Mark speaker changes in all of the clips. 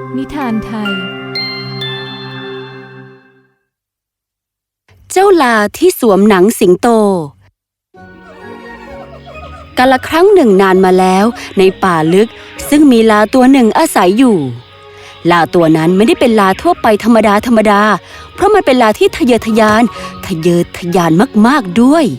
Speaker 1: นิทานไทย
Speaker 2: เจ้าลาที่สวมหนังสิงโตกาลครั้งหนึ่งนานมาแล้วในป่าลึกซึ่งมีลาตัวหนึ่งอาศัยอยู่ลาตัวนั้นไม่ได้เป็นลาทั่วไปธรรมดาเพราะมันเป็นลาที่ทะเยอทะยานมากๆด้วย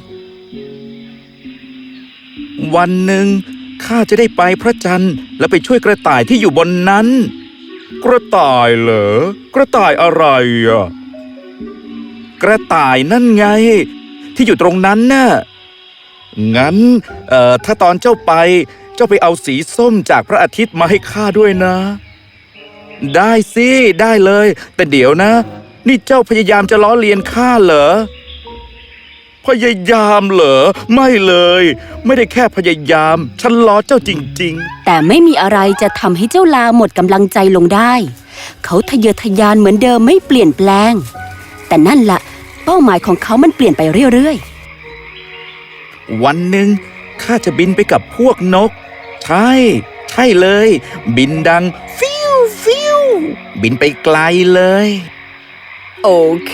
Speaker 3: วันหนึ่งข้าจะได้ไปพระจันทร์และไปช่วยกระต่ายที่อยู่บนนั้นกระต่ายเหรอกระต่ายอะไรอ่ะกระต่ายนั่นไงที่อยู่ตรงนั้นน่ะงั้นถ้าตอนเจ้าไปเอาสีส้มจากพระอาทิตย์มาให้ข้าด้วยนะได้สิได้เลยแต่เดี๋ยวนะนี่เจ้าพยายามจะล้อเลียนข้าเหรอพยายามเหรอไม่เลยไม่ได้แค่พยายามฉันล้อเจ้าจริงๆ
Speaker 2: แต่ไม่มีอะไรจะทำให้เจ้าลาหมดกำลังใจลงได้เขาทะเยอทะยานเหมือนเดิมไม่เปลี่ยนแปลงแต่นั่นล่ะเป้าหมายของเขามันเปลี่ยนไปเรื่อย
Speaker 3: ๆวันหนึ่งข้าจะบินไปกับพวกนกใช่เลยบินดังฟิวบินไปไกลเลย
Speaker 2: โอเค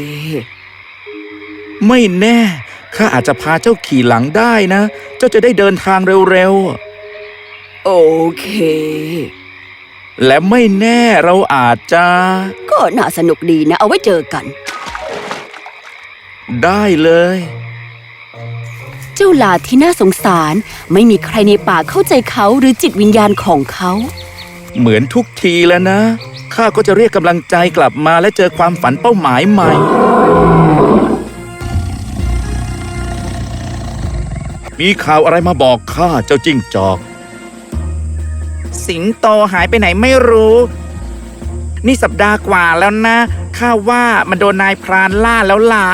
Speaker 3: ไม่แน่ข้าอาจจะพาเจ้าขี่หลังได้นะเจ้าจะได้เดินทางเร็ว
Speaker 2: ๆโอเค
Speaker 3: และไม่แน่เราอาจจะ
Speaker 2: ก็น่าสนุกดีนะเอาไว้เจอกัน
Speaker 3: ได้เลย
Speaker 2: เจ้าลาที่น่าสงสารไม่มีใครในป่าเข้าใจเขาหรือจิตวิญญาณของเขา
Speaker 3: เหมือนทุกทีแล้วนะข้าก็จะเรียกกำลังใจกลับมาและเจอความฝันเป้าหมายใหม่มีข่าวอะไรมาบอกข้าเจ้าจิ้งจอก
Speaker 4: สิงโตหายไปไหนไม่รู้นี่สัปดาห์กว่าแล้วนะข้าว่ามันโดนนายพรานล่าแล้วล่ะ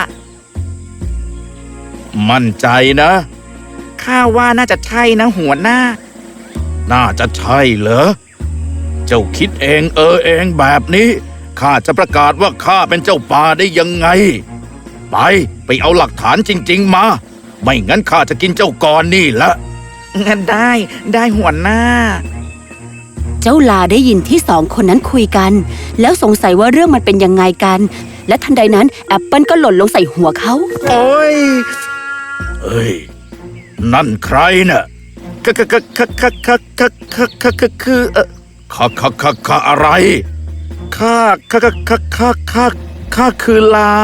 Speaker 3: มั่นใจนะ
Speaker 4: ข้าว่าน่าจะใช่นะหัวหน้า
Speaker 3: น่าจะใช่เหรอเจ้าคิดเองเองแบบนี้ข้าจะประกาศว่าข้าเป็นเจ้าป่าได้ยังไงไปเอาหลักฐานจริงๆมาไม่งั้นข้าจะกินเจ้าก่อนนี่ละ
Speaker 4: งั้นได้หัวหน้า
Speaker 2: เจ้าลาได้ยินที่สองคนนั้นคุยกันแล้วสงสัยว่าเรื่องมันเป็นยังไงกันและทันใดนั้นแอปเปิลก็หล่นลงใส่หัวเขา
Speaker 3: โอ้ยเอ้ยนั่นใครน่ะคืออะไรข้าคือลา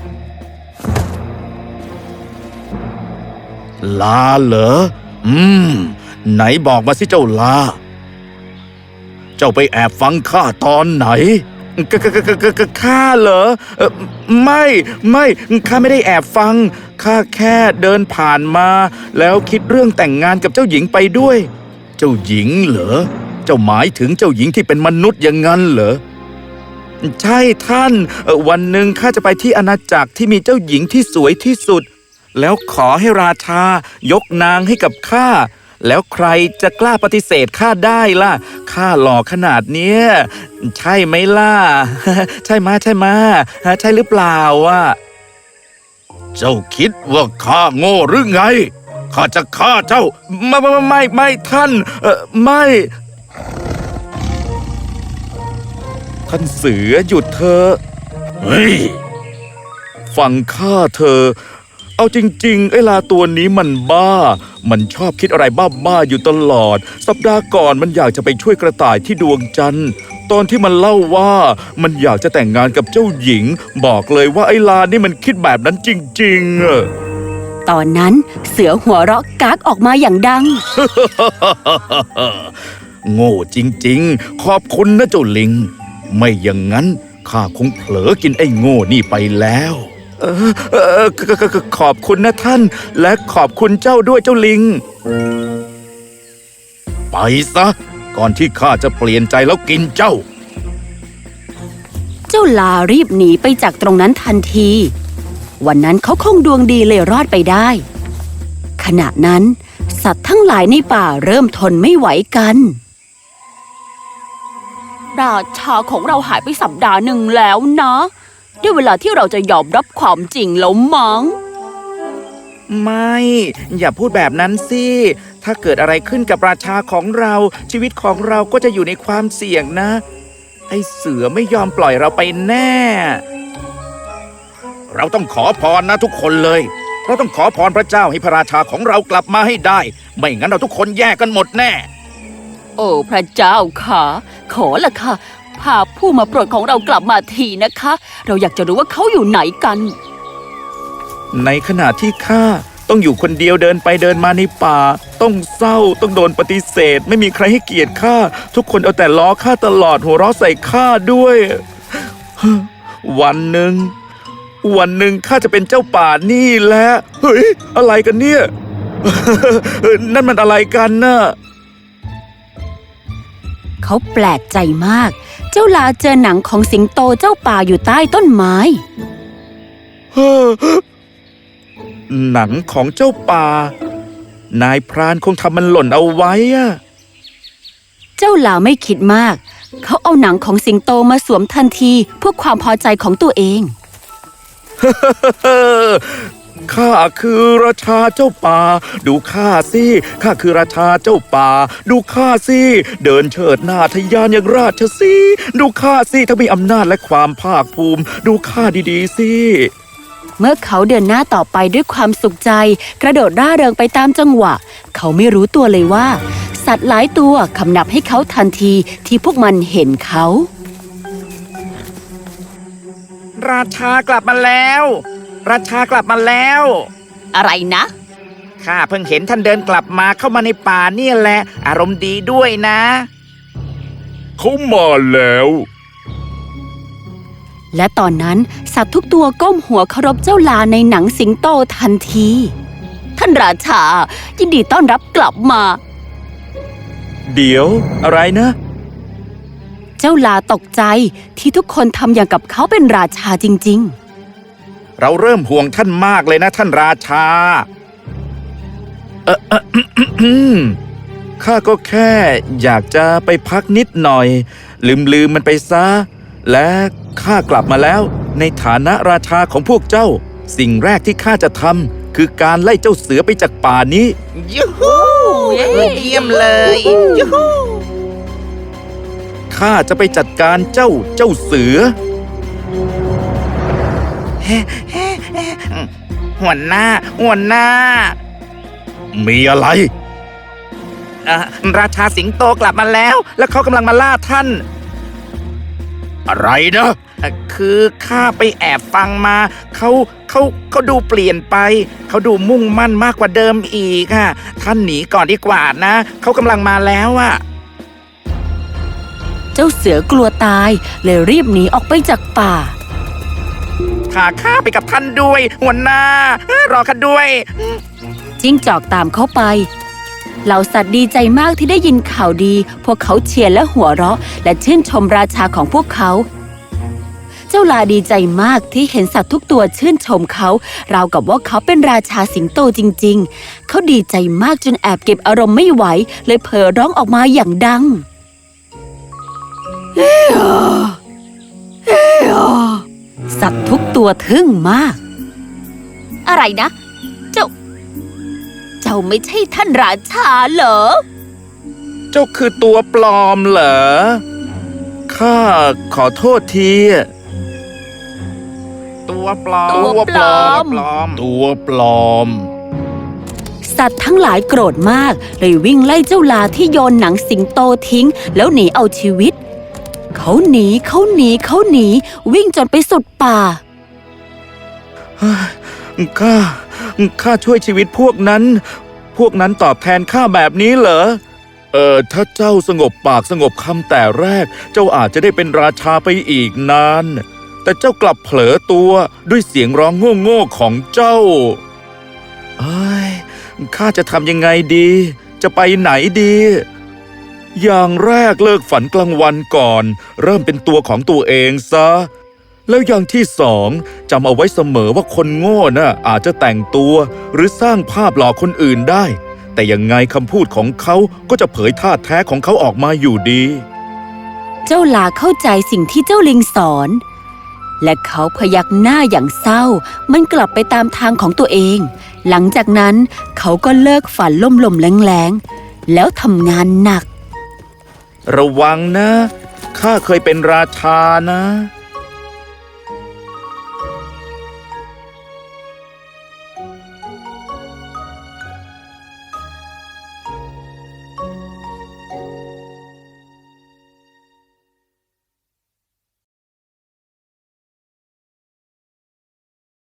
Speaker 3: เหรอไหนบอกมาสิเจ้าลาเจ้าไปแอบฟังข้าตอนไหนข้าเหรอไม่ข้าไม่ได้แอบฟังข้าแค่เดินผ่านมาแล้วคิดเรื่องแต่งงานกับเจ้าหญิงไปด้วยเจ้าหญิงเหรอเจ้าหมายถึงเจ้าหญิงที่เป็นมนุษย์อย่างนั้นเหรอใช่ท่านวันหนึ่งข้าจะไปที่อาณาจักรที่มีเจ้าหญิงที่สวยที่สุดแล้วขอให้ราชายกนางให้กับข้าแล้วใครจะกล้าปฏิเสธข้าได้ล่ะข้าหล่อขนาดเนี้ยใช่ไหมล่ะ ใช่มาใช่หรือเปล่าวะเจ้าคิดว่าข้าโง่หรือไงข้าจะฆ่าเจ้าไม่ท่านไม่ท่านเสือหยุดเถอะเฮ้ยฟังข้าเธอเอาจริงๆไอ้ลาตัวนี้มันบ้ามันชอบคิดอะไรบ้าอยู่ตลอดสัปดาห์ก่อนมันอยากจะไปช่วยกระต่ายที่ดวงจันทร์ตอนที่มันเล่าว่ามันอยากจะแต่งงานกับเจ้าหญิงบอกเลยว่าไอ้ลานี่มันคิดแบบนั้นจริง
Speaker 2: ๆตอนนั้นเสือหัวเราะก๊ากออกมาอย่างดัง
Speaker 3: โง่จริงๆขอบคุณนะเจ้าลิงไม่อย่างนั้นข้าคงเผลอกินไอ้โง่นี่ไปแล้วขอบคุณนะท่านและขอบคุณเจ้าด้วยเจ้าลิงไปซะก่อนที่ข้าจะเปลี่ยนใจแล้วกินเจ้า
Speaker 2: ลารีบหนีไปจากตรงนั้นทันทีวันนั้นเขาคงดวงดีเลยรอดไปได้ขณะนั้นสัตว์ทั้งหลายในป่าเริ่มทนไม่ไหวกันราชาของเราหายไปสัปดาห์หนึ่งแล้วนะได้เวลาที่เราจะยอมรับความจริงแล้วมั้ง
Speaker 4: ไม่อย่าพูดแบบนั้นสิถ้าเกิดอะไรขึ้นกับราชาของเราชีวิตของเราก็จะอยู่ในความเสี่ยงนะไอ้เสือไม่ยอมปล่อยเราไปแน่
Speaker 3: เราต้องขอพรนะทุกคนเลย เราต้องขอพรพระเจ้าให้พระราชาของเรากลับมาให้ได้ ไม่งั้นเราทุกคนแย่กันหมดแน่
Speaker 2: โอ้พระเจ้าค่ะขอละค่ะพาผู้มาโปรดของเรากลับมาทีนะคะ เราอยากจะรู้ว่าเขาอยู่ไหนกัน
Speaker 3: ในขณะที่ข้าต้องอยู่คนเดียวเดินไปเดินมาในป่า ต้องเศร้าต้องโดนปฏิเสธ ไม่มีใครให้เกียรติข้าทุกคนเอาแต่ล้อข้าตลอดหัวเราะใส่ข้าด้วย วันหนึ่งข้าจะเป็นเจ้าป่านี่แหละเฮ้ยอะไรกันเนี่ย นั่นมันอะไรกันน่ะ
Speaker 2: เขาแปลกใจมาก เจ้าลาเจอหนังของสิงโตเจ้าป่าอยู่ใต้ต้นไม้
Speaker 3: หนังของเจ้าป่า นายพรานคงทำมันหล่นเอาไว้อะ
Speaker 2: เจ้าลาไม่คิดมาก เขาเอาหนังของสิงโตมาสวมทันทีเพื่อความพอใจของตัวเอง
Speaker 3: ข้าคือราชาเจ้าป่า ดูข้าสิข้าคือราชาเจ้าป่า ดูข้าสิเดินเฉิดหน้าทะยานอย่างราชสีห์ดูข้าสิทั้งมีอำนาจและความภาคภูมิ ดูข้าดีๆสิ
Speaker 2: เมื่อเขาเดินหน้าต่อไปด้วยความสุขใจ กระโดดร่าเริงไปตามจังหวะ เขาไม่รู้ตัวเลยว่า สัตว์หลายตัวคำนับให้เขาทันทีที่พวกมันเห็นเขา
Speaker 4: ราชากลับมาแล้ว ราชากลับมาแล้ว
Speaker 2: อะไรนะ
Speaker 4: ข้าเพิ่งเห็นท่านเดินกลับมาเข้ามาในป่าเนี่ยแหละ อารมณ์ดีด้วยนะ
Speaker 3: เขามาแล้ว
Speaker 2: และตอนนั้นสัตว์ทุกตัวก้มหัวเคารพเจ้าลาในหนังสิงโตทันที ท่านราชายินดีต้อนรับกลับมา
Speaker 3: เดี๋ยวอะไรนะ
Speaker 2: เจ้าลาตกใจที่ทุกคนทำอย่างกับเขาเป็นราชาจริง
Speaker 3: เราเริ่มห่วงท่านมากเลยนะท่านราชา ข้าก็แค่อยากจะไปพักนิดหน่อย ลืมมันไปซะ และข้ากลับมาแล้ว ในฐานะราชาของพวกเจ้า สิ่งแรกที่ข้าจะทำคือการไล่เจ้าเสือไปจากป่านี้
Speaker 4: ยูฮู
Speaker 2: เย้
Speaker 4: เยี่ยมเลยยูฮู
Speaker 3: ข้าจะไปจัดการเจ้าเสือ
Speaker 4: หัวหน้า
Speaker 3: มีอะไร
Speaker 4: ราชาสิงโตกลับมาแล้ว แล้วเขากำลังมาล่าท่าน
Speaker 3: อะไรนะ
Speaker 4: คือข้าไปแอบฟังมาเขาดูเปลี่ยนไป เขาดูมุ่งมั่นมากกว่าเดิมอีกอ่ะท่านหนีก่อนดีกว่านะเขากำลังมาแล้วอ่ะ
Speaker 2: ๆ เจ้าเสือกลัวตายเลยรีบหนีออกไปจากป่า
Speaker 4: พาข้าไปกับท่านด้วย หัวหน้ารอข้าด้วย
Speaker 2: จิ้งจอกตามเขาไป เหล่าสัตว์ดีใจมากที่ได้ยินข่าวดี พวกเขาเชียร์และหัวเราะ และชื่นชมราชาของพวกเขา เจ้าลาดีใจมากที่เห็นสัตว์ทุกตัวชื่นชมเขา ราวกับว่าเขาเป็นราชาสิงโตจริงๆ เขาดีใจมากจนแอบเก็บอารมณ์ไม่ไหว เลยเผลอร้องออกมาอย่างดัง สัตว์ทุกตัวทึ่งมาก อะไรนะ เจ้าไม่ใช่ท่านราชาเหรอ
Speaker 3: เจ้าคือตัวปลอมเหรอ ข้าขอโทษที
Speaker 4: ตัวปลอม
Speaker 2: ตัวปลอม
Speaker 3: ตัวปลอม
Speaker 2: สัตว์ทั้งหลายโกรธมากเลยวิ่งไล่เจ้าลาที่โยนหนังสิงโตทิ้ง แล้วหนีเอาชีวิต เขาหนีวิ่งจนไปสุดป่า
Speaker 3: ข้าช่วยชีวิตพวกนั้นตอบแทนข้าแบบนี้เหรอ ถ้าเจ้าสงบปากสงบคำแต่แรก เจ้าอาจจะได้เป็นราชาไปอีกนาน แต่เจ้ากลับเผลอตัวด้วยเสียงร้องโง่ๆของเจ้าข้าจะทำยังไงดี จะไปไหนดี อย่างแรกเลิกฝันกลางวันก่อน เริ่มเป็นตัวของตัวเองซะ แล้วอย่างที่สองจำเอาไว้เสมอว่าคนโง่น่ะอาจจะแต่งตัวหรือสร้างภาพหลอกคนอื่นได้ แต่ยังไงคำพูดของเขาก็จะเผยท่าแท้ของเขาออกมาอยู่ดี
Speaker 2: เจ้าลาเข้าใจสิ่งที่เจ้าลิงสอน และเขาพยักหน้าอย่างเศร้า มันกลับไปตามทางของตัวเอง หลังจากนั้นเขาก็เลิกฝันล่มๆแรงๆแล้วทำงานหนัก
Speaker 3: ระวังนะ ขข้าเคยเป็นราชานะ